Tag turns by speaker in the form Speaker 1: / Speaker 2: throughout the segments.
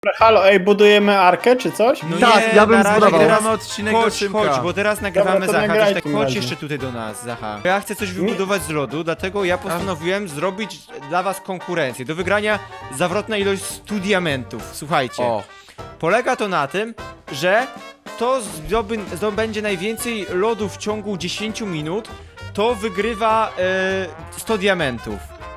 Speaker 1: Halo, ej, budujemy arkę czy coś?
Speaker 2: No
Speaker 3: Tak,
Speaker 2: nie,
Speaker 3: ja bym
Speaker 2: na razie
Speaker 3: zbudował.
Speaker 2: teraz
Speaker 4: Nagramy odcinek do
Speaker 2: chodź,
Speaker 4: Szymka.
Speaker 2: bo teraz nagrywamy
Speaker 1: Dobra, to
Speaker 2: Zacha,
Speaker 1: nagraj
Speaker 2: tak
Speaker 1: w tym
Speaker 2: chodź
Speaker 1: razie.
Speaker 2: jeszcze tutaj do nas, Zacha. Ja chcę coś wybudować z lodu, dlatego ja postanowiłem zrobić dla was konkurencję. Do wygrania zawrotna ilość 100 diamentów. Słuchajcie,
Speaker 4: O,
Speaker 2: polega to na tym, że kto zdobędzie najwięcej lodu w ciągu 10 minut, to wygrywa 100 diamentów.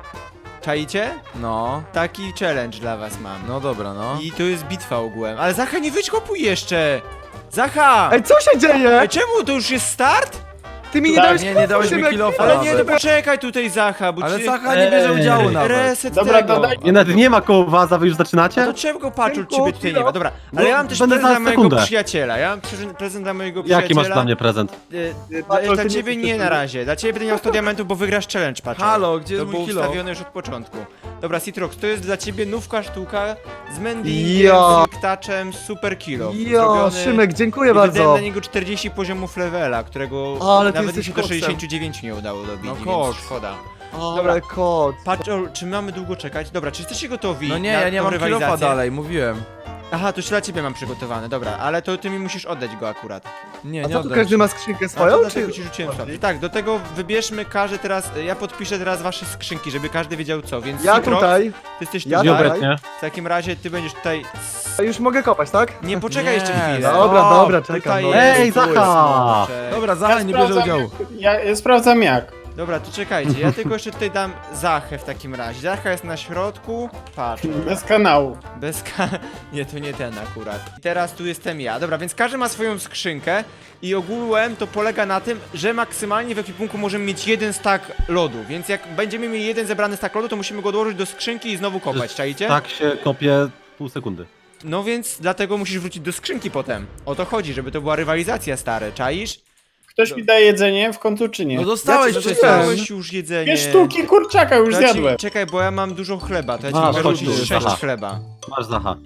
Speaker 2: Czaicie?
Speaker 4: no,
Speaker 2: Taki challenge dla was mam.
Speaker 4: no dobra, no.
Speaker 2: I to jest bitwa ogółem. Ale Zacha, nie wykopuj jeszcze! Zacha!
Speaker 3: Ej, co się dzieje?
Speaker 2: Ej, czemu? To już jest start?
Speaker 3: Ty mi nie
Speaker 1: Tak,
Speaker 3: dałeś
Speaker 4: nie dałeś mi
Speaker 3: Szymek.
Speaker 4: kilofa.
Speaker 2: Ale nie,
Speaker 4: nawet.
Speaker 2: no poczekaj tutaj, Zacha, bo
Speaker 4: Ale
Speaker 2: ci...
Speaker 4: Zacha nie bierze udziału nawet.
Speaker 2: Reset
Speaker 1: Dobra,
Speaker 2: tego.
Speaker 1: dodaj-
Speaker 5: Nie, nawet nie ma koło was, a wy już
Speaker 2: No to
Speaker 5: zaczynacie?
Speaker 2: czego patrz,
Speaker 3: Tylko
Speaker 2: ciebie tutaj nie ma.
Speaker 3: chwila.
Speaker 2: Dobra, ale ja mam też
Speaker 5: będę
Speaker 2: prezent
Speaker 5: za
Speaker 2: dla mojego
Speaker 5: sekundę.
Speaker 2: przyjaciela. Ja mam prezent dla mojego przyjaciela.
Speaker 5: Jaki masz dla mnie prezent?
Speaker 3: Patrol,
Speaker 2: Dla
Speaker 3: ty
Speaker 2: ciebie
Speaker 3: nie
Speaker 2: nie
Speaker 3: jesteś
Speaker 2: na razie. Dla ciebie będę miał 100 diamentów, bo wygrasz challenge, patrz.
Speaker 4: Halo, gdzie
Speaker 2: To
Speaker 4: jest
Speaker 2: było
Speaker 4: mój kilo?
Speaker 2: ustawione już od początku. Dobra, Citrox, to jest dla ciebie nówka sztuka z mendingiem,
Speaker 3: Jo.
Speaker 2: z liktaczem, super kilo.
Speaker 3: Jo, Szymek, dziękuję
Speaker 2: Wydałem
Speaker 3: bardzo.
Speaker 2: na niego 40 poziomów levela, którego
Speaker 3: Ale ty
Speaker 2: nawet mi
Speaker 3: jesteś
Speaker 2: się do
Speaker 3: koksem.
Speaker 2: 69 nie udało dobić,
Speaker 4: No
Speaker 2: więc
Speaker 4: koks.
Speaker 2: szkoda.
Speaker 3: Ale kot.
Speaker 2: Patrz, czy mamy długo czekać? Dobra, czy jesteście gotowi
Speaker 4: No nie,
Speaker 2: na
Speaker 4: ja nie
Speaker 2: tą
Speaker 4: mam kilofa
Speaker 2: rywalizację?
Speaker 4: dalej, mówiłem.
Speaker 2: Aha, to już dla ciebie mam przygotowane, dobra, ale to ty mi musisz oddać go akurat.
Speaker 4: Nie,
Speaker 3: A
Speaker 4: nie
Speaker 3: co tu
Speaker 4: oddam
Speaker 3: każdy
Speaker 4: ci.
Speaker 3: ma skrzynkę
Speaker 2: A to
Speaker 3: swoją,
Speaker 2: dlatego
Speaker 3: czy...
Speaker 2: ci rzuciłem sobie. Tak, do tego wybierzmy każdy teraz, ja podpiszę teraz wasze skrzynki, żeby każdy wiedział co, więc
Speaker 3: Ja
Speaker 2: Citrox,
Speaker 3: tutaj.
Speaker 2: ty jesteś
Speaker 3: Ja
Speaker 2: tutaj,
Speaker 3: tutaj.
Speaker 5: Nieobecnie.
Speaker 2: w takim razie ty będziesz tutaj...
Speaker 3: Już mogę kopać, tak?
Speaker 2: Nie, poczekaj jeszcze
Speaker 4: Nie,
Speaker 2: chwilę.
Speaker 3: Dobra,
Speaker 4: O,
Speaker 3: dobra, czekam.
Speaker 2: Tutaj
Speaker 3: No.
Speaker 2: jest,
Speaker 5: Ej,
Speaker 2: tu jest
Speaker 5: Zacha!
Speaker 2: smoczek.
Speaker 4: Dobra, Zacha nie bierze udziału.
Speaker 1: Ja sprawdzam jak.
Speaker 2: Dobra, to czekajcie, ja tylko jeszcze tutaj dam Zachę w takim razie. Zacha jest na środku, patrz.
Speaker 1: Bez kanału.
Speaker 2: Bez Nie, to nie ten akurat. I teraz tu jestem ja. Dobra, więc każdy ma swoją skrzynkę i ogółem to polega na tym, że maksymalnie w ekwipunku możemy mieć jeden stack lodu, więc jak będziemy mieli jeden zebrany stack lodu, to musimy go odłożyć do skrzynki i znowu kopać, czaicie?
Speaker 5: Tak się kopie pół sekundy.
Speaker 2: No więc dlatego musisz wrócić do skrzynki potem. O to chodzi, żeby to była rywalizacja, stary, czaisz?
Speaker 1: Ktoś mi daje jedzenie w końcu czy nie?
Speaker 4: No dostałeś
Speaker 3: Ja ci
Speaker 4: przecież.
Speaker 2: Dostałeś już jedzenie.
Speaker 1: 2 sztuki kurczaka już
Speaker 2: To ja ci-
Speaker 1: zjadłem.
Speaker 2: Czekaj, bo ja mam dużo chleba, to ja ci
Speaker 5: Masz,
Speaker 2: mogę
Speaker 5: chodź
Speaker 2: rzucić
Speaker 5: tu,
Speaker 2: 6
Speaker 5: Zacha.
Speaker 2: chleba.
Speaker 5: Masz Zacha.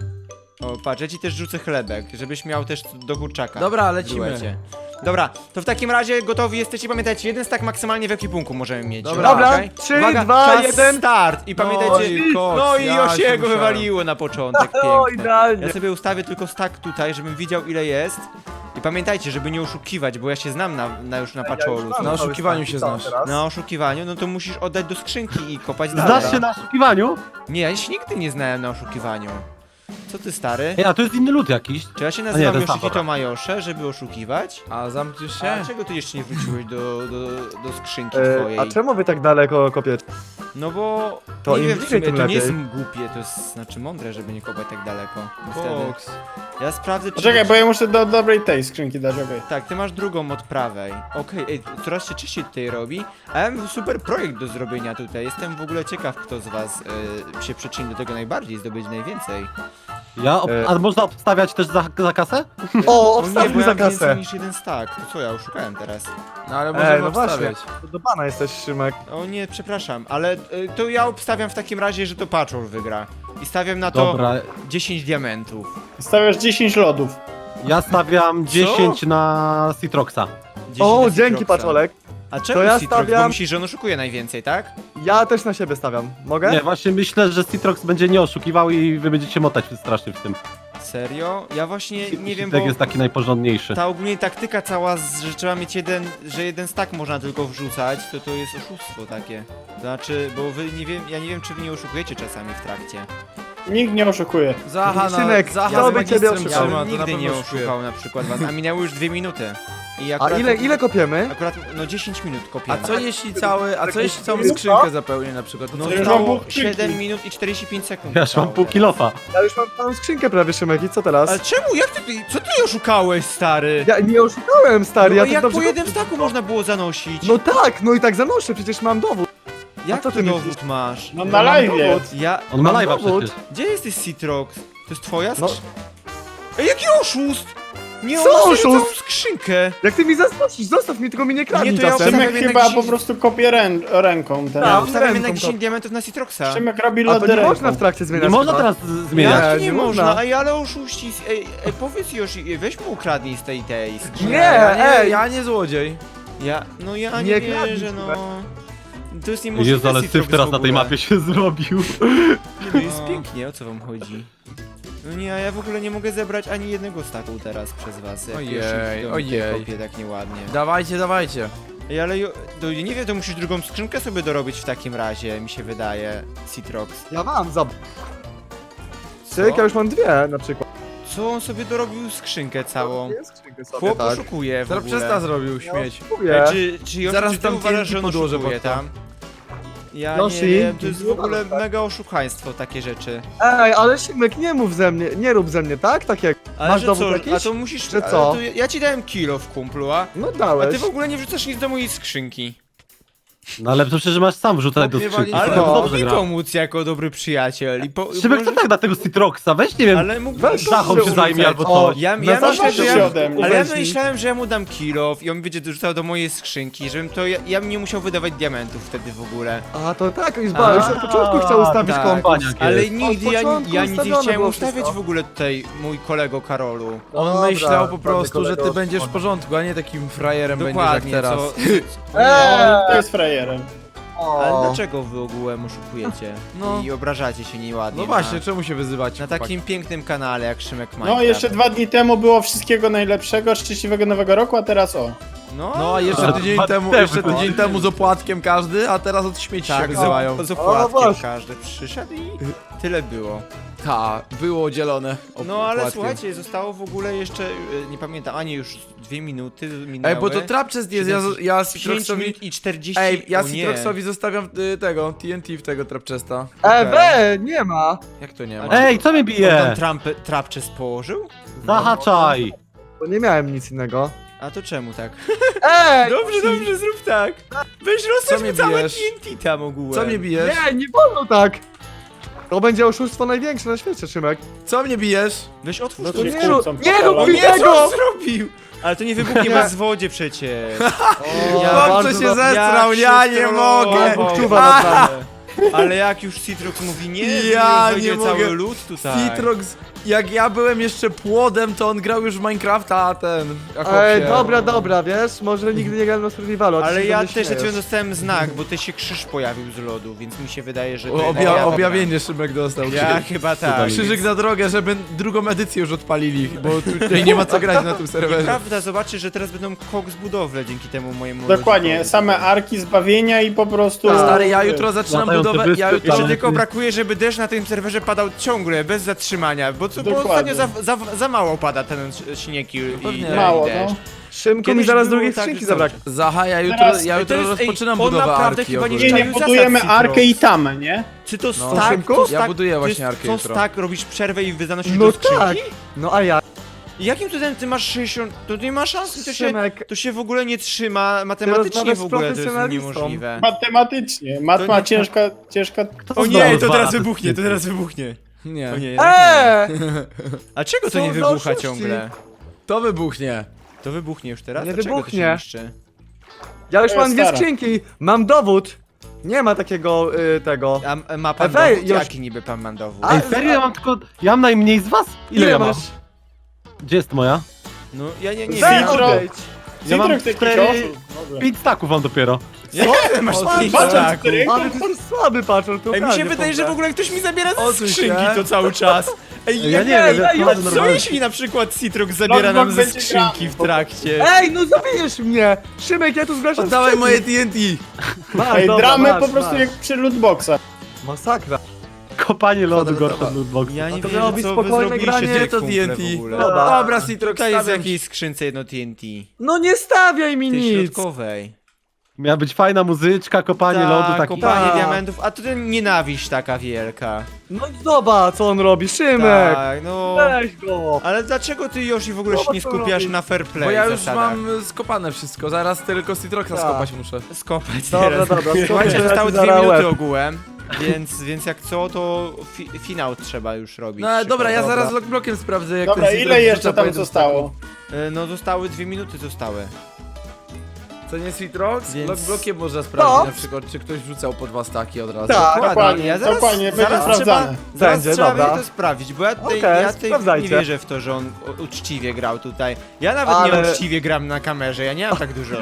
Speaker 2: O, patrz, ja ci też rzucę chlebek, żebyś miał też do kurczaka.
Speaker 4: Dobra,
Speaker 2: w
Speaker 4: lecimy.
Speaker 2: duecie. Dobra, to w takim razie gotowi jesteście, pamiętajcie, jeden stack maksymalnie w ekwipunku możemy mieć.
Speaker 3: Dobra,
Speaker 2: okej?
Speaker 3: 3,
Speaker 2: Uwaga,
Speaker 3: 2,
Speaker 2: czas
Speaker 3: 1.
Speaker 2: start! I pamiętajcie,
Speaker 4: i koks,
Speaker 2: no i
Speaker 4: ja
Speaker 2: Osiego
Speaker 4: się musiałem.
Speaker 2: wywaliło na początek,
Speaker 3: O,
Speaker 2: piękne.
Speaker 3: idealnie.
Speaker 2: Ja sobie ustawię tylko stack tutaj, żebym widział ile jest. I pamiętajcie, żeby nie oszukiwać, bo ja się znam już na paczolu.
Speaker 3: mam
Speaker 4: Na
Speaker 3: cały
Speaker 4: oszukiwaniu
Speaker 3: stack.
Speaker 4: się
Speaker 3: Co
Speaker 4: znasz.
Speaker 3: teraz?
Speaker 2: Na oszukiwaniu, no to musisz oddać do skrzynki i kopać dalej.
Speaker 5: Znasz się na oszukiwaniu?
Speaker 2: Nie, ja się nigdy nie znałem na oszukiwaniu. Co ty, stary?
Speaker 5: Ej, a to jest inny lud jakiś.
Speaker 2: Czy ja się
Speaker 5: nie,
Speaker 2: nazywam
Speaker 5: to jest
Speaker 2: Yoshihito
Speaker 5: dobra.
Speaker 2: Majosze, żeby oszukiwać?
Speaker 4: A zamkniesz
Speaker 2: A
Speaker 4: się?
Speaker 2: dlaczego ty jeszcze nie wróciłeś do skrzynki twojej?
Speaker 3: A czemu wy tak daleko kopiecie?
Speaker 2: No bo
Speaker 3: To
Speaker 2: nie
Speaker 3: im
Speaker 2: wiem w
Speaker 3: bliżej,
Speaker 2: sumie,
Speaker 3: tym
Speaker 2: to nie jest
Speaker 3: lepiej.
Speaker 2: głupie, to jest znaczy mądre, żeby nie kopać tak daleko. Niestety.
Speaker 4: Koks.
Speaker 2: Ja sprawdzę czy...
Speaker 1: Czekaj, bo ja muszę do dobrej tej skrzynki dać, okej.
Speaker 2: Tak, ty masz drugą od prawej. Okej, ej, coraz się częściej tutaj robi. A ja mam super projekt do zrobienia tutaj. Jestem w ogóle ciekaw, kto z was się przyczyni do tego najbardziej, zdobyć najwięcej.
Speaker 5: A można obstawiać też za kasę?
Speaker 3: O,
Speaker 2: O nie,
Speaker 3: obstaw
Speaker 2: bo
Speaker 3: mi
Speaker 2: ja
Speaker 3: za
Speaker 2: mam więcej
Speaker 3: kasę.
Speaker 2: niż jeden stack. To co, ja oszukałem teraz.
Speaker 4: No ale możemy
Speaker 3: no właśnie.
Speaker 4: obstawiać.
Speaker 3: Do pana jesteś, Szymek.
Speaker 2: O nie, przepraszam, ale to ja obstawiam w takim razie, że to Paczol wygra. I stawiam na to
Speaker 5: Dobra,
Speaker 2: 10 diamentów.
Speaker 1: Stawiasz 10 lodów.
Speaker 5: ja stawiam 10 na Citroxa.
Speaker 2: 10
Speaker 3: O,
Speaker 2: na
Speaker 3: dzięki,
Speaker 2: Citroxa.
Speaker 3: Paczolek.
Speaker 2: A czemu
Speaker 3: To ja
Speaker 2: Citrox? Bo
Speaker 3: stawiam-
Speaker 2: myślisz, że on oszukuje najwięcej, tak?
Speaker 3: Ja też na siebie stawiam. Mogę?
Speaker 5: Nie, właśnie myślę, że Citrox będzie nie oszukiwał i wy będziecie motać strasznie w tym.
Speaker 2: Serio? Ja właśnie nie wiem,
Speaker 5: Citek
Speaker 2: bo
Speaker 5: jest taki najporządniejszy.
Speaker 2: ta ogólnie taktyka cała, że trzeba mieć że jeden stack można tylko wrzucać, to jest oszustwo takie. To znaczy, bo wy nie wiem, ja nie wiem, czy wy nie oszukujecie czasami w trakcie.
Speaker 1: Nikt nie oszukuje.
Speaker 4: Zacha,
Speaker 3: Synek,
Speaker 4: Zacha
Speaker 3: ja
Speaker 4: z
Speaker 3: bym ciebie
Speaker 4: magistrem
Speaker 3: oszukał.
Speaker 2: Ja
Speaker 4: trzyma,
Speaker 2: bym
Speaker 4: to na
Speaker 2: nigdy
Speaker 4: pewno
Speaker 2: nie
Speaker 4: oszukuje.
Speaker 2: oszukał na przykład was, a minęły już 2 minuty. I
Speaker 3: A
Speaker 2: akurat,
Speaker 3: ile kopiemy?
Speaker 2: Akurat, no 10 minut kopiemy.
Speaker 4: A co jeśli całą skrzynkę zapełnię na przykład? To
Speaker 2: No
Speaker 4: co
Speaker 1: już
Speaker 4: wtedy?
Speaker 1: mam
Speaker 2: zostało
Speaker 1: pół skrzynki.
Speaker 2: 7 minut i 45 sekund.
Speaker 5: Ja już mam pół kilofa.
Speaker 3: Ja już mam całą skrzynkę prawie, Szymek, i co teraz?
Speaker 2: Ale czemu? Co ty oszukałeś, stary?
Speaker 3: Ja nie oszukałem, stary,
Speaker 2: No,
Speaker 3: ja
Speaker 2: a
Speaker 3: tak
Speaker 2: jak
Speaker 3: dobrze...
Speaker 2: po jednym staku można było zanosić?
Speaker 3: No tak, no i tak zanoszę, przecież mam dowód.
Speaker 2: jak
Speaker 3: co
Speaker 2: ty
Speaker 3: ty
Speaker 2: dowód
Speaker 3: myślisz?
Speaker 2: masz?
Speaker 1: No
Speaker 3: Ja
Speaker 1: na
Speaker 3: mam
Speaker 1: live.
Speaker 3: dowód.
Speaker 2: Ja...
Speaker 5: On ma
Speaker 3: Mam
Speaker 5: live'a
Speaker 3: dowód.
Speaker 5: przecież.
Speaker 2: Gdzie jesteś, Citrox? To jest twoja
Speaker 3: No.
Speaker 2: Ej, jaki oszust! Nie,
Speaker 3: Co
Speaker 2: on ma
Speaker 3: oszust?
Speaker 2: całą skrzynkę!
Speaker 3: Jak ty mi zaskoczysz, zostaw mi, tylko mi nie kradnij
Speaker 2: Nie, to ja
Speaker 3: czasem.
Speaker 2: obstawiam-
Speaker 1: Szymek
Speaker 2: jednak
Speaker 1: chyba
Speaker 2: 10
Speaker 1: po prostu kopie ręką
Speaker 2: Ja
Speaker 1: teraz.
Speaker 2: obstawiam
Speaker 3: ręką
Speaker 2: jednak
Speaker 3: to.
Speaker 2: 10 diamentów na Citroxa.
Speaker 1: Szymek robi
Speaker 3: A to
Speaker 1: lody
Speaker 3: nie
Speaker 1: ręką.
Speaker 3: można w trakcie zmieniać
Speaker 5: Nie można
Speaker 3: chyba.
Speaker 5: teraz zmieniać.
Speaker 2: Jak
Speaker 3: Nie,
Speaker 2: nie
Speaker 3: nie
Speaker 2: można?
Speaker 3: można.
Speaker 2: Ej, ale oszuści... Ej, powiedz Yoshi, weź mu ukradnij z tej skrzynki.
Speaker 3: Nie,
Speaker 4: ja
Speaker 3: ej.
Speaker 4: ja nie złodziej.
Speaker 2: Ja
Speaker 1: Nie
Speaker 2: nie wierzę,
Speaker 1: kradnij,
Speaker 2: no... To jest niemożliwe.
Speaker 5: Jezu, ale
Speaker 2: Citrox
Speaker 5: syf teraz
Speaker 2: w
Speaker 5: na tej
Speaker 2: ogóle.
Speaker 5: mapie się zrobił.
Speaker 2: Nie, no jest pięknie, o co wam chodzi? No nie, a ja w ogóle nie mogę zebrać ani jednego staku teraz przez was. Jak
Speaker 4: Ojej,
Speaker 2: już ich
Speaker 4: ojej.
Speaker 2: kopię tak nieładnie.
Speaker 4: Dawajcie, dawajcie.
Speaker 2: Ej, ale nie wiem, to musisz drugą skrzynkę sobie dorobić w takim razie, mi się wydaje, Citrox.
Speaker 3: Ja mam, Cyk, ja już mam 2 na przykład.
Speaker 2: Co on sobie dorobił skrzynkę całą?
Speaker 3: Jest skrzynkę sobie,
Speaker 2: Chłop
Speaker 3: tak.
Speaker 2: oszukuje w
Speaker 4: Teraz
Speaker 2: ogóle.
Speaker 4: przesta zrobił śmieć.
Speaker 3: Kupuję.
Speaker 2: Czy Yoshi,
Speaker 4: Zaraz
Speaker 2: czy ty
Speaker 4: tam
Speaker 2: uważasz,
Speaker 4: TNT
Speaker 2: że on
Speaker 4: podłożę
Speaker 2: oszukuje
Speaker 4: pod to.
Speaker 2: tam? Ja
Speaker 3: Yoshi,
Speaker 2: nie wiem, to jest w
Speaker 3: nie
Speaker 2: ogóle
Speaker 3: uważam, tak.
Speaker 2: mega oszukaństwo takie rzeczy.
Speaker 3: Ej, ale Szymek, nie mów ze mnie, nie rób ze mnie, tak? Tak jak.
Speaker 2: Ale
Speaker 3: Masz
Speaker 2: że
Speaker 3: dowód
Speaker 2: co,
Speaker 3: jakiś?
Speaker 2: a to musisz...
Speaker 3: Że
Speaker 2: ale
Speaker 3: co?
Speaker 2: To ja ci dałem kilo w kumplu, a
Speaker 3: No
Speaker 2: ty
Speaker 3: dałeś.
Speaker 2: w ogóle nie wrzucasz nic do mojej skrzynki.
Speaker 5: No ale to przecież masz sam wrzucać do
Speaker 4: Chłopie,
Speaker 5: skrzynki.
Speaker 4: wali-
Speaker 2: Ale
Speaker 5: to
Speaker 2: mógł
Speaker 5: dobrze
Speaker 2: mi
Speaker 5: gra.
Speaker 2: pomóc jako dobry przyjaciel i
Speaker 5: Szybek, co tak na tego Citroxa? Weź, nie wiem,
Speaker 2: Ale mógł
Speaker 3: Weź
Speaker 5: Zachą się zajmie albo
Speaker 3: O,
Speaker 5: coś.
Speaker 2: Ja
Speaker 3: No
Speaker 2: myślę,
Speaker 3: zawsze
Speaker 2: że
Speaker 1: się
Speaker 2: ja,
Speaker 1: ode mnie.
Speaker 2: ale ja
Speaker 3: Weź mi.
Speaker 2: myślałem, że ja mu dam kilof i on będzie dorzucał do mojej skrzynki, żebym to ja bym nie musiał wydawać diamentów wtedy w ogóle.
Speaker 3: A to tak, już od początku chciał ustawić
Speaker 2: tak.
Speaker 3: kompas.
Speaker 2: Ale
Speaker 5: jest.
Speaker 2: nigdy
Speaker 3: Od
Speaker 2: ja
Speaker 3: początku
Speaker 2: nic nie
Speaker 3: ustawione
Speaker 2: chciałem
Speaker 3: było
Speaker 2: ustawiać
Speaker 3: wszystko.
Speaker 2: w ogóle tutaj mój kolego Karolu.
Speaker 4: On
Speaker 3: Dobra,
Speaker 4: myślał po
Speaker 3: ładny
Speaker 4: prostu, że ty
Speaker 3: kolego.
Speaker 4: będziesz w porządku, a nie takim frajerem
Speaker 2: Dokładnie,
Speaker 4: będziesz jak teraz.
Speaker 1: To jest frajerem.
Speaker 2: Ale dlaczego wy ogółem oszukujecie?
Speaker 4: No.
Speaker 2: I obrażacie się nieładnie
Speaker 4: No właśnie, czemu się wyzywać?
Speaker 2: na takim pięknym kanale jak Szymek Minecraft.
Speaker 1: No jeszcze 2 dni temu było wszystkiego najlepszego, szczęśliwego nowego roku, a teraz o.
Speaker 4: No a jeszcze tydzień temu z opłatkiem każdy, a teraz od śmieci się
Speaker 2: tak,
Speaker 4: wyzywają.
Speaker 2: z
Speaker 3: O,
Speaker 2: opłatkiem
Speaker 3: właśnie.
Speaker 2: każdy przyszedł i tyle było.
Speaker 4: Ta, było dzielone.
Speaker 2: No ale
Speaker 4: opłatkiem.
Speaker 2: słuchajcie, zostało w ogóle jeszcze, nie pamiętam, ani już 2 minuty minęły.
Speaker 4: Ej, bo to Trapchest jest, ja
Speaker 2: 5
Speaker 4: Citroxowi...
Speaker 2: minut i 40.
Speaker 4: Ej, ja
Speaker 2: o nie.
Speaker 4: Citroxowi zostawiam tego, TNT w tego Trapchesta.
Speaker 3: Nie ma.
Speaker 4: Jak to nie ma?
Speaker 5: Ej, co mnie
Speaker 2: On tam
Speaker 5: bije?
Speaker 2: trapczes położył?
Speaker 5: Zahaczaj!
Speaker 3: Bo nie miałem nic innego.
Speaker 2: A to czemu tak?
Speaker 3: Ej!
Speaker 2: Dobrze, zrób tak. Weź
Speaker 4: Co
Speaker 2: rozsadź
Speaker 4: mnie
Speaker 2: mu całe
Speaker 4: bijesz?
Speaker 2: TNT tam ogółem.
Speaker 4: Co mnie bijesz?
Speaker 3: Nie wolno tak! To będzie oszustwo największe na świecie, Szymek.
Speaker 4: Co mnie bijesz?
Speaker 2: Weź otwórz
Speaker 3: No
Speaker 2: to
Speaker 3: to
Speaker 1: nie
Speaker 3: nie
Speaker 1: kłócą
Speaker 3: rób,
Speaker 1: po
Speaker 3: nie rób
Speaker 1: kolei.
Speaker 3: mi
Speaker 2: Nie, co
Speaker 3: tego!
Speaker 2: on zrobił? Ale to nie wybuchnie bez wodzie przecież.
Speaker 3: Ja
Speaker 4: Chłopcze się
Speaker 3: bardzo
Speaker 4: zestrał,
Speaker 2: Jak
Speaker 4: ja
Speaker 2: się
Speaker 4: nie
Speaker 2: strollował.
Speaker 4: mogę!
Speaker 3: Czuwa naprawdę.
Speaker 2: Ale jak już Citrox mówi nie,
Speaker 4: Ja
Speaker 2: wejdzie
Speaker 4: nie mogę.
Speaker 2: cały lód tutaj.
Speaker 4: Citrox, jak ja byłem jeszcze płodem, to on grał już w Minecrafta, a ten...
Speaker 3: Ej, dobra, wiesz, może nigdy nie grałem na survivalu, a ty
Speaker 2: Ale
Speaker 3: się
Speaker 2: ja
Speaker 3: ze mnie
Speaker 2: też przed chwilą
Speaker 3: śmiejesz.
Speaker 2: dostałem znak, bo też się krzyż pojawił z lodu, więc mi się wydaje, że... to ja
Speaker 4: Objawienie Szymek dostał.
Speaker 2: Ja chyba tak.
Speaker 4: Krzyżyk na drogę, żeby drugą edycję już odpalili, bo tutaj nie ma co grać na tym serwerze.
Speaker 2: Prawda, zobaczy, że teraz będą koks budowle dzięki temu mojemu
Speaker 1: Dokładnie,
Speaker 2: lodzikowi.
Speaker 1: same arki zbawienia i po prostu...
Speaker 4: Stary, ja jutro zaczynam
Speaker 5: Latające
Speaker 4: budowę,
Speaker 5: wyspy,
Speaker 4: ja jutro...
Speaker 2: Jeszcze
Speaker 5: Ale
Speaker 2: tylko
Speaker 5: ty-
Speaker 2: brakuje, żeby deszcz na tym serwerze padał ciągle, bez zatrzymania, bo
Speaker 1: Dokładnie.
Speaker 2: ostatnio za mało pada ten śnieg i
Speaker 4: pewnie.
Speaker 1: Mało,
Speaker 2: deszcz.
Speaker 1: no.
Speaker 3: Szymku mi
Speaker 2: Kiedyś
Speaker 3: zaraz
Speaker 2: było
Speaker 3: drugiej
Speaker 2: tak,
Speaker 3: skrzynki
Speaker 2: że
Speaker 3: zabraknie.
Speaker 4: Zaha, ja jutro,
Speaker 1: Teraz-
Speaker 4: ja jutro
Speaker 2: to jest- ej,
Speaker 4: rozpoczynam
Speaker 2: on
Speaker 4: budowę
Speaker 2: naprawdę
Speaker 4: arki
Speaker 2: chyba nie
Speaker 4: ogólnie.
Speaker 1: Nie,
Speaker 2: Czaił
Speaker 1: budujemy
Speaker 2: zasad
Speaker 1: arkę
Speaker 2: Citrox.
Speaker 1: i tamę, nie?
Speaker 2: Czy to
Speaker 4: No.
Speaker 2: stack?
Speaker 3: Szymku?
Speaker 2: To
Speaker 4: Ja
Speaker 2: stack-
Speaker 4: buduję
Speaker 2: to
Speaker 4: właśnie
Speaker 2: jest-
Speaker 4: arkę
Speaker 2: To
Speaker 4: jutro.
Speaker 2: stack, robisz przerwę i zanosisz
Speaker 3: No
Speaker 2: do skrzynki?
Speaker 3: tak. No a ja,
Speaker 2: I jakim cudem ty masz 60... To nie ma szans,
Speaker 3: Szymek,
Speaker 2: to się w ogóle nie trzyma, matematycznie
Speaker 3: rozmawiasz
Speaker 2: w
Speaker 3: z
Speaker 2: ogóle to jest
Speaker 3: profesjonalistą.
Speaker 2: niemożliwe.
Speaker 1: Matematycznie. Matma
Speaker 2: nie-
Speaker 1: ciężka...
Speaker 2: O nie,
Speaker 5: znowu
Speaker 2: to
Speaker 5: dwa
Speaker 2: teraz
Speaker 5: razy
Speaker 2: wybuchnie, to
Speaker 5: tysięcy.
Speaker 2: teraz wybuchnie.
Speaker 4: Nie,
Speaker 2: O nie, jednak nie.
Speaker 3: Eee!
Speaker 2: A czego to
Speaker 3: Co
Speaker 2: nie
Speaker 3: za
Speaker 2: wybucha
Speaker 3: oszuści?
Speaker 2: ciągle?
Speaker 4: to wybuchnie.
Speaker 2: To wybuchnie już teraz?
Speaker 3: Nie
Speaker 2: Dlaczego to
Speaker 3: wybuchnie.
Speaker 2: się niszczy?
Speaker 3: Ja już
Speaker 1: To
Speaker 3: mam
Speaker 1: jest
Speaker 3: 2
Speaker 1: stara.
Speaker 3: skrzynki, mam dowód. Nie ma takiego, tego.
Speaker 2: A ma pan
Speaker 3: Wej,
Speaker 2: dowód?
Speaker 3: już-
Speaker 2: Jaki niby pan ma dowód?
Speaker 3: A-
Speaker 5: Ej, serio, ja mam tylko... Ja mam najmniej z was? Ile ja mam?
Speaker 3: masz?
Speaker 5: Gdzie jest moja?
Speaker 2: No ja nie
Speaker 3: Weź,
Speaker 2: wiem.
Speaker 1: Citro-
Speaker 3: odejdź.
Speaker 5: Ja mam
Speaker 1: Citrox jakiś
Speaker 5: 4...
Speaker 1: oszust. Dobra.
Speaker 5: 5 staków mam dopiero.
Speaker 2: Jak masz pięć
Speaker 1: Patrz,
Speaker 2: staków?
Speaker 1: cztery.
Speaker 3: Ale ty jesteś słaby, patrol, to
Speaker 2: Ej, mi się wydaje, że w ogóle ktoś mi zabiera ze
Speaker 4: Odsuń
Speaker 2: skrzynki
Speaker 4: się.
Speaker 2: to cały czas. Ej,
Speaker 5: Ja nie
Speaker 3: Ej,
Speaker 5: wiem,
Speaker 3: ej,
Speaker 5: ja
Speaker 3: ej,
Speaker 5: chodzę
Speaker 2: Co
Speaker 5: normalnie.
Speaker 2: jeśli na przykład Citrox zabiera
Speaker 1: Log
Speaker 2: nam ze
Speaker 1: będzie
Speaker 2: skrzynki
Speaker 1: grany,
Speaker 2: w
Speaker 1: po
Speaker 2: trakcie?
Speaker 3: Ej, no zabijesz mnie! Szymek, ja tu zgłaszam
Speaker 4: Oddawaj
Speaker 3: sprzeciw.
Speaker 4: moje TNT.
Speaker 3: Masz,
Speaker 1: Ej,
Speaker 3: dobra,
Speaker 1: dramy
Speaker 3: masz,
Speaker 1: po prostu
Speaker 3: masz.
Speaker 1: jak przy lootboxach.
Speaker 3: Masakra.
Speaker 5: Kopanie lodu
Speaker 4: Dobra,
Speaker 5: gorsze
Speaker 4: dobra.
Speaker 5: od lootboxa.
Speaker 2: Ja nie
Speaker 3: A to
Speaker 2: wiem,
Speaker 3: miało być
Speaker 2: co wy
Speaker 3: spokojne
Speaker 2: zrobiliście
Speaker 3: granie,
Speaker 2: tutaj,
Speaker 4: to
Speaker 2: kumple,
Speaker 4: TNT.
Speaker 2: w ogóle.
Speaker 4: Dobra, Citrox,
Speaker 2: Tutaj jest w
Speaker 4: stawiam.
Speaker 2: jakiejś skrzynce jedno TNT.
Speaker 3: No nie stawiaj mi
Speaker 2: Tej
Speaker 3: nic!
Speaker 2: środkowej.
Speaker 5: Miała być fajna muzyczka, kopanie lodu, taki...
Speaker 2: kopanie
Speaker 3: Tak.
Speaker 2: diamentów, a to ten nienawiść taka wielka.
Speaker 3: No zobacz, co on robi, Szymek!
Speaker 2: Tak, no...
Speaker 3: Weź go!
Speaker 2: Ale dlaczego ty, Yoshi, w ogóle się
Speaker 3: Zobacz,
Speaker 2: nie
Speaker 3: co
Speaker 2: skupiasz
Speaker 3: robi.
Speaker 2: na fair play
Speaker 4: Bo ja już
Speaker 2: zasadach?
Speaker 4: mam skopane wszystko, zaraz tylko Citroxa
Speaker 3: Tak.
Speaker 4: skopać muszę.
Speaker 2: Skopać
Speaker 3: Dobra,
Speaker 2: teraz.
Speaker 3: dobra,
Speaker 2: Słuchajcie,
Speaker 3: skończę,
Speaker 2: zostały
Speaker 3: ja ci
Speaker 2: 2
Speaker 3: zaraz
Speaker 2: minuty
Speaker 3: łeb.
Speaker 2: ogółem, więc jak co, to finał trzeba już robić.
Speaker 4: No ale dobra, ja
Speaker 3: Dobra.
Speaker 4: zaraz logblokiem sprawdzę jak
Speaker 1: Dobra,
Speaker 4: ten
Speaker 1: ile
Speaker 4: Citrox
Speaker 1: jeszcze
Speaker 4: wrzuca po
Speaker 1: tam
Speaker 4: jednym
Speaker 1: zostało?
Speaker 2: No zostały 2 minuty zostały.
Speaker 4: Co nie Citrox?
Speaker 2: Więc-
Speaker 4: Blokiem można sprawdzić
Speaker 3: No.
Speaker 4: na przykład, czy ktoś wrzucał po 2 staki od razu.
Speaker 3: Tak.
Speaker 1: Dokładnie, dokładnie, będzie
Speaker 2: zaraz
Speaker 1: sprawdzane.
Speaker 2: Zaraz
Speaker 3: Będzie,
Speaker 2: trzeba
Speaker 3: dobra.
Speaker 2: będzie to sprawdzić, bo ja tutaj,
Speaker 3: Okej,
Speaker 2: ja tutaj nie
Speaker 3: sprawdzajcie.
Speaker 2: wierzę w to, że on uczciwie grał tutaj. Ja nawet
Speaker 3: Ale-
Speaker 2: nie uczciwie gram na kamerze, ja nie mam tak dużo.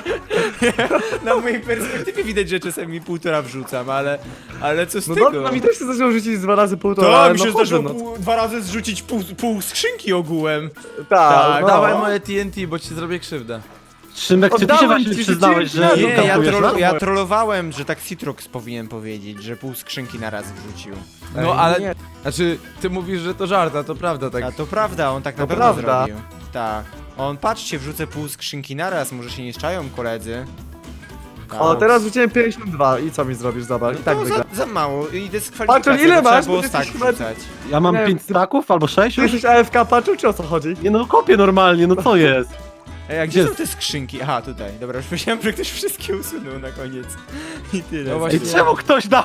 Speaker 2: Na mojej perspektywie widać, że czasami 1,5 wrzucam, ale co z
Speaker 3: No
Speaker 2: tego?
Speaker 3: dobra, mi też się zaczęło rzucić 2 razy 1,5,
Speaker 2: To
Speaker 3: ale
Speaker 2: mi się
Speaker 3: no
Speaker 2: zdarzyło
Speaker 3: chodzę, no.
Speaker 2: 2 razy zrzucić pół skrzynki ogółem.
Speaker 3: Tak, no.
Speaker 4: Dawaj moje TNT, bo ci zrobię krzywdę.
Speaker 5: Szymek, czy ty się
Speaker 3: Oddałem
Speaker 5: właśnie
Speaker 3: ci,
Speaker 5: przyznałeś,
Speaker 3: rzuciłem
Speaker 5: że
Speaker 3: na
Speaker 2: Nie,
Speaker 3: dół.
Speaker 5: kampujesz,
Speaker 2: ja trollowałem, że tak Citrox powinien powiedzieć, że pół skrzynki na raz wrzucił.
Speaker 4: No
Speaker 3: Ej,
Speaker 4: ale,
Speaker 3: nie.
Speaker 4: znaczy, ty mówisz, że to żart, a to prawda, tak.
Speaker 2: A to prawda, on tak
Speaker 3: To
Speaker 2: na pewno
Speaker 3: prawda.
Speaker 2: zrobił. Tak. On, patrzcie, wrzucę pół skrzynki na raz, może się nie szczają koledzy. Tak.
Speaker 3: O, teraz rzuciłem 52 i co mi zrobisz? Zobacz, i tak
Speaker 2: to
Speaker 3: wygra.
Speaker 2: za mało i
Speaker 3: Patrz,
Speaker 2: dyskwalifikacja,
Speaker 3: ile
Speaker 2: to trzeba
Speaker 3: masz?
Speaker 2: było
Speaker 3: Bo ty
Speaker 2: tak
Speaker 3: jesteś chyba-
Speaker 2: wrzucać.
Speaker 5: Ja mam
Speaker 3: Nie,
Speaker 5: 5 staków albo 6
Speaker 3: Ty
Speaker 5: już?
Speaker 3: jesteś AFK patrzył, czy o co chodzi?
Speaker 5: Nie no, kopię normalnie, no co jest?
Speaker 2: Ej, a gdzie
Speaker 5: Gdzie
Speaker 2: są te skrzynki? Aha, tutaj. Dobra, już myślałem, że ktoś wszystkie usunął na koniec. I tyle.
Speaker 4: No właśnie.
Speaker 5: Ej, czemu ktoś dał...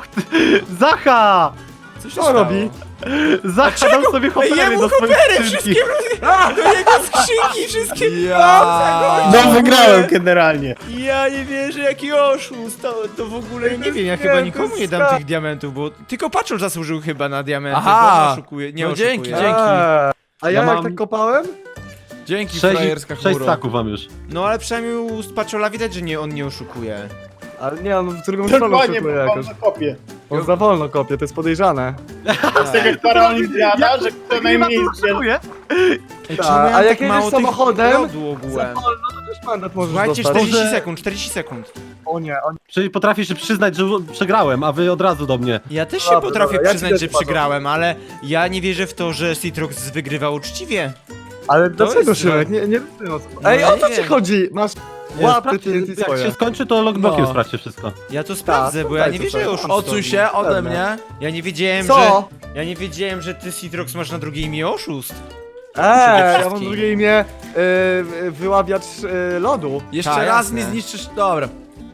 Speaker 5: Zacha!
Speaker 2: Co się
Speaker 3: Co
Speaker 2: stało?
Speaker 3: robi?
Speaker 5: Zacha dał sobie hopery
Speaker 2: jemu
Speaker 5: do swojej
Speaker 2: hopery
Speaker 5: skrzynki.
Speaker 2: wszystkie do jego skrzynki, wszystkie.
Speaker 4: Ja.
Speaker 1: No wygrałem generalnie.
Speaker 2: Ja nie wierzę, jaki oszust, to w ogóle nie wiem, ja chyba nikomu nie dam tych diamentów, bo tylko Paczol zasłużył chyba na diamenty,
Speaker 4: Aha!
Speaker 2: bo on oszukuje, nie
Speaker 4: No
Speaker 2: oszukuje.
Speaker 4: dzięki.
Speaker 3: A ja
Speaker 5: Ja
Speaker 3: jak
Speaker 5: mam-
Speaker 3: tak kopałem?
Speaker 4: Dzięki,
Speaker 5: 6
Speaker 4: frajerska chmuro.
Speaker 5: staków mam już.
Speaker 2: No ale przynajmniej u Paczola widać, że on nie oszukuje.
Speaker 3: Ale nie, on w drugą stronę
Speaker 1: Dokładnie,
Speaker 3: oszukuje
Speaker 1: bo
Speaker 3: jakoś.
Speaker 1: mam na kopie.
Speaker 3: On za wolno kopie, to jest podejrzane.
Speaker 1: Z tego stara olimpiada, że kto najmniej zbierze.
Speaker 2: Ej,
Speaker 3: Tak,
Speaker 2: czemu ja
Speaker 3: a
Speaker 2: mam
Speaker 3: jak
Speaker 2: tak
Speaker 3: jedziesz
Speaker 2: mało tych
Speaker 3: samochodem,
Speaker 2: lodu ogółem?
Speaker 3: Za wolno, to też mandat możesz
Speaker 2: Słuchajcie,
Speaker 3: dostać.
Speaker 2: 40
Speaker 5: Może-
Speaker 2: sekund, 40 sekund.
Speaker 3: O nie, o nie.
Speaker 5: Czyli potrafisz się przyznać, że przegrałem, a wy od razu do mnie.
Speaker 2: Ja też się
Speaker 3: Dobra,
Speaker 2: potrafię
Speaker 3: dobra, ja ci
Speaker 2: przyznać,
Speaker 3: też
Speaker 2: że
Speaker 3: uważam.
Speaker 2: przegrałem, ale ja nie wierzę w to, że Citrox wygrywał uczciwie.
Speaker 3: Ale dlaczego
Speaker 2: jest
Speaker 3: Szymek?
Speaker 2: złe.
Speaker 3: Nie rozumiem o co.
Speaker 2: No
Speaker 3: Ej,
Speaker 2: ja
Speaker 3: o co
Speaker 2: nie
Speaker 3: ci
Speaker 2: wiem.
Speaker 3: chodzi? Masz
Speaker 5: Nie,
Speaker 3: łapy
Speaker 5: sprawdźcie,
Speaker 3: TNT
Speaker 5: jak się
Speaker 3: swoje.
Speaker 5: skończy, to logblokiem
Speaker 2: No.
Speaker 5: sprawdźcie wszystko.
Speaker 2: Ja to sprawdzę, bo ja nie
Speaker 3: sprawdzaj
Speaker 2: wierzę
Speaker 3: to
Speaker 2: oszustowi.
Speaker 4: Odsuń się ode mnie.
Speaker 2: Ja nie wiedziałem,
Speaker 3: Co?
Speaker 2: Ja nie wiedziałem, że ty Citrox masz na drugie imię oszust.
Speaker 3: Ja mam
Speaker 2: wszystkim.
Speaker 3: drugie imię wyławiacz lodu.
Speaker 4: Jeszcze
Speaker 2: Ta,
Speaker 4: raz
Speaker 2: jasne.
Speaker 4: mi zniszczysz... Dobra.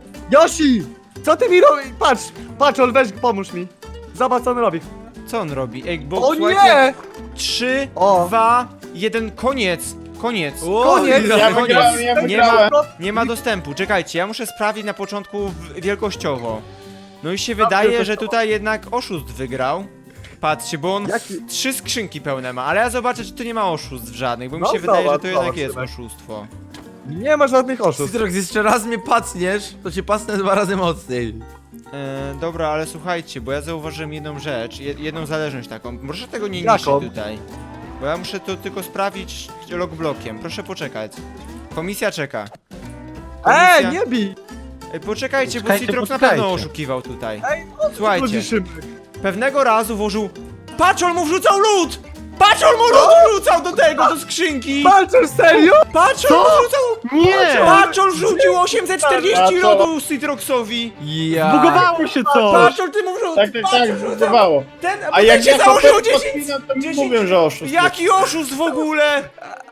Speaker 3: Yoshi! Co ty mi robisz? Patrz, Ol, weź, pomóż mi. Zobacz, co on robi.
Speaker 2: Co on robi? Ej, bo
Speaker 3: O
Speaker 2: słuchajcie,
Speaker 3: nie!
Speaker 2: 3,
Speaker 3: O.
Speaker 2: 2, 1, koniec. Koniec.
Speaker 3: Koniec!
Speaker 1: Ja wygrałem, ja wygrałem.
Speaker 2: Nie ma dostępu. Czekajcie, ja muszę sprawdzić na początku wielkościowo. No i się wydaje, że tutaj jednak oszust wygrał. Patrzcie, bo on
Speaker 3: Jaki-
Speaker 2: 3 skrzynki pełne ma, ale ja zobaczę, czy tu nie ma oszustw żadnych, bo mi
Speaker 3: No
Speaker 2: się wydaje, że
Speaker 3: zobacz,
Speaker 2: to jednak
Speaker 3: zobacz,
Speaker 2: jest
Speaker 3: Szymek.
Speaker 2: oszustwo.
Speaker 3: Nie ma żadnych oszustw.
Speaker 4: Citrox, jeszcze raz mnie pacniesz, to cię pacnę 2 razy mocniej.
Speaker 2: Dobra, ale słuchajcie, bo ja zauważyłem jedną rzecz, jedną zależność taką. Proszę tego nie
Speaker 3: Jaką?
Speaker 2: niszczyć tutaj. Bo ja muszę to tylko sprawdzić logblokiem. Proszę poczekać. Komisja czeka. Komisja...
Speaker 3: Nie bij!
Speaker 2: Ej, poczekajcie, bo
Speaker 5: Poczekajcie,
Speaker 2: Citrox na
Speaker 5: poczekajcie.
Speaker 2: pewno oszukiwał tutaj.
Speaker 3: Chodzi,
Speaker 2: Słuchajcie,
Speaker 3: Szymek.
Speaker 2: pewnego razu włożył... Paczol mu wrzucał lód! Paczol mu lód wrzucał do tego, do skrzynki!
Speaker 3: Walczysz serio?
Speaker 2: Paczol mu wrzucał...
Speaker 5: Nie!
Speaker 2: Paczol wrzucił 840
Speaker 1: A co?
Speaker 2: lodu Citroxowi!
Speaker 4: Ja.
Speaker 5: Zbugowało się coś!
Speaker 2: Paczol, ty mu wrzucał!
Speaker 1: Tak, zbudowało.
Speaker 2: Ten,
Speaker 1: A jak
Speaker 2: się
Speaker 1: ja
Speaker 2: założył
Speaker 1: kopę
Speaker 2: 10...
Speaker 1: podpinam, to mi
Speaker 2: 10
Speaker 1: mówią, że oszust.
Speaker 2: Jaki oszust w ogóle?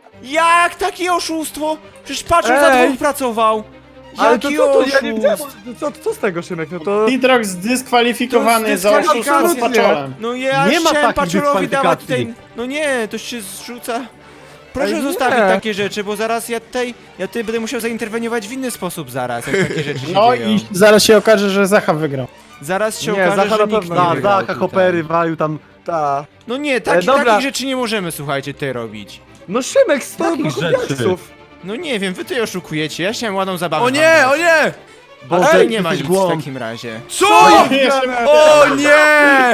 Speaker 2: Jak takie oszustwo? Przecież Paczol za
Speaker 3: Ej!
Speaker 2: dwóch pracował.
Speaker 3: Ale to
Speaker 2: Jaki
Speaker 3: co, to
Speaker 2: oszust?
Speaker 3: ja nie wiem, co z tego, Szymek? No to...
Speaker 1: Citrox zdyskwalifikowany za oszustwo z
Speaker 2: dyskwalifikacja.
Speaker 1: Paczolem.
Speaker 2: No ja
Speaker 5: Nie ma
Speaker 2: chciałem
Speaker 5: takich
Speaker 2: Paczolowi dawać
Speaker 5: dyskwalifikacji.
Speaker 2: tutaj... No nie, to się zrzuca... Proszę
Speaker 3: Ej, nie.
Speaker 2: zostawić takie rzeczy, bo zaraz ja tutaj będę musiał zainterweniować w inny sposób zaraz, jak takie rzeczy się
Speaker 1: No
Speaker 2: dzieją.
Speaker 1: i zaraz się okaże, że Zacha wygrał.
Speaker 2: Zaraz się
Speaker 3: Nie,
Speaker 2: okaże,
Speaker 3: Zacha
Speaker 2: że
Speaker 3: na
Speaker 2: nikt
Speaker 3: pewno
Speaker 2: nie
Speaker 3: nie
Speaker 5: Da,
Speaker 2: wygrał
Speaker 5: Zacha,
Speaker 2: tutaj.
Speaker 5: hopery, walił tam...
Speaker 3: Ta.
Speaker 2: No nie,
Speaker 3: dobra.
Speaker 2: takich rzeczy nie możemy, słuchajcie, tutaj robić.
Speaker 3: No Szymek, 100
Speaker 5: Takich
Speaker 3: bloków
Speaker 5: rzeczy.
Speaker 3: diaksów.
Speaker 2: No nie wiem, wy tutaj oszukujecie, ja chciałem ładną zabawę.
Speaker 4: O nie,
Speaker 2: wam
Speaker 4: o
Speaker 2: dać.
Speaker 4: nie!
Speaker 5: Boże,
Speaker 2: Ale nie ma
Speaker 5: jesteś
Speaker 2: nic w
Speaker 5: głąb.
Speaker 2: takim razie.
Speaker 4: Co?
Speaker 1: Jeszcze
Speaker 4: O nie!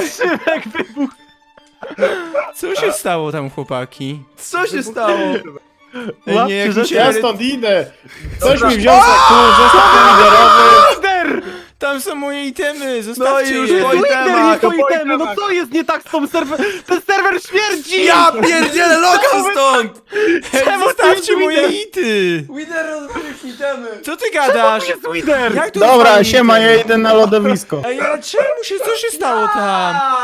Speaker 2: Co się stało tam, chłopaki?
Speaker 4: Co się stało?
Speaker 2: Ej,
Speaker 5: Łapcie
Speaker 2: nie, jak mi
Speaker 5: rzeczy.
Speaker 2: się...
Speaker 1: Ja stąd idę. Coś mi wziął za kół, zestaw liderowy.
Speaker 2: Tam są moje itemy, zostawcie
Speaker 4: już
Speaker 2: je.
Speaker 4: po
Speaker 5: Lider, nie
Speaker 4: itemach,
Speaker 5: po
Speaker 3: po
Speaker 5: itemy, no
Speaker 3: itemach.
Speaker 5: co jest nie tak z tą serwer... Ten serwer śmierdzi!
Speaker 4: Ja pierdzielę, lokal stąd!
Speaker 2: Czemu zostawcie moje ity?
Speaker 4: Wider rozbił itemy!
Speaker 2: Co ty gadasz?
Speaker 5: To jest Lider!
Speaker 2: Jak tu
Speaker 1: Dobra,
Speaker 2: zostawię
Speaker 1: siema,
Speaker 2: itemy?
Speaker 1: ja idę na lodowisko.
Speaker 2: Ej, ale czemu się, co się stało tam?